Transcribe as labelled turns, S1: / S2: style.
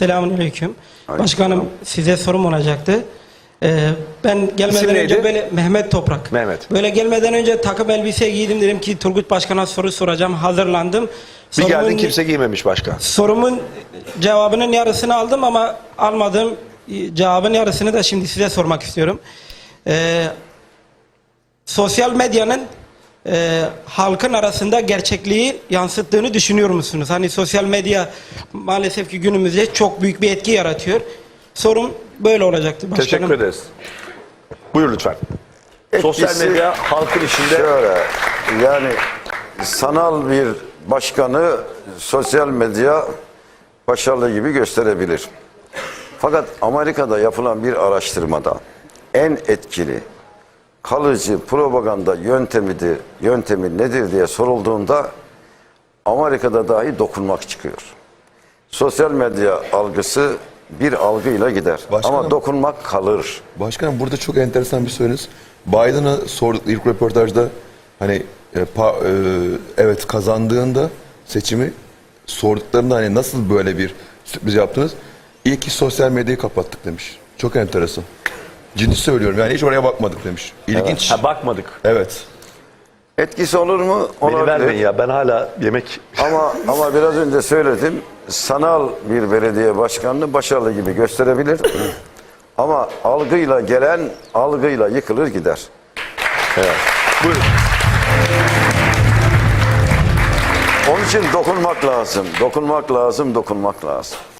S1: Selamünaleyküm. Başkanım, size sorum olacaktı. Ben gelmeden önce böyle Mehmet Toprak.
S2: Mehmet.
S1: Böyle gelmeden önce takım elbise giydim, dedim ki Turgut Başkan'a soru soracağım. Hazırlandım.
S2: Bir geldin kimse giymemiş başkan.
S1: Sorumun cevabının yarısını aldım ama almadığım cevabın yarısını da şimdi size sormak istiyorum. Sosyal medyanın halkın arasında gerçekliği yansıttığını düşünüyor musunuz? Hani sosyal medya maalesef ki günümüzde çok büyük bir etki yaratıyor. Sorum böyle olacaktı başkanım.
S2: Teşekkür ederiz. Buyur lütfen. Sosyal medya halkın içinde...
S3: Şöyle, yani sanal bir başkanı sosyal medya başarılı gibi gösterebilir. Fakat Amerika'da yapılan bir araştırmada en etkili, kalıcı propaganda yöntemi nedir diye sorulduğunda Amerika'da dahi dokunmak çıkıyor. Sosyal medya algısı bir algıyla gider.
S4: Başkanım,
S3: ama dokunmak kalır.
S4: Başkanım, burada çok enteresan bir sorunuz. Biden'a sorduk ilk röportajda, hani evet kazandığında seçimi sorduklarında hani nasıl böyle bir sürpriz yaptınız? İyi ki sosyal medyayı kapattık demiş. Çok enteresan. Ciddi söylüyorum, yani hiç oraya bakmadık demiş. İlginç.
S2: Ha, bakmadık.
S4: Evet.
S3: Etkisi olur mu?
S2: Beni
S3: Olabilir.
S2: vermeyin ya, ben hala yemek...
S3: Ama biraz önce söyledim. Sanal bir belediye başkanını başarılı gibi gösterebilir. Ama algıyla gelen algıyla yıkılır gider.
S2: Evet. Buyurun.
S3: Onun için dokunmak lazım. Dokunmak lazım, dokunmak lazım.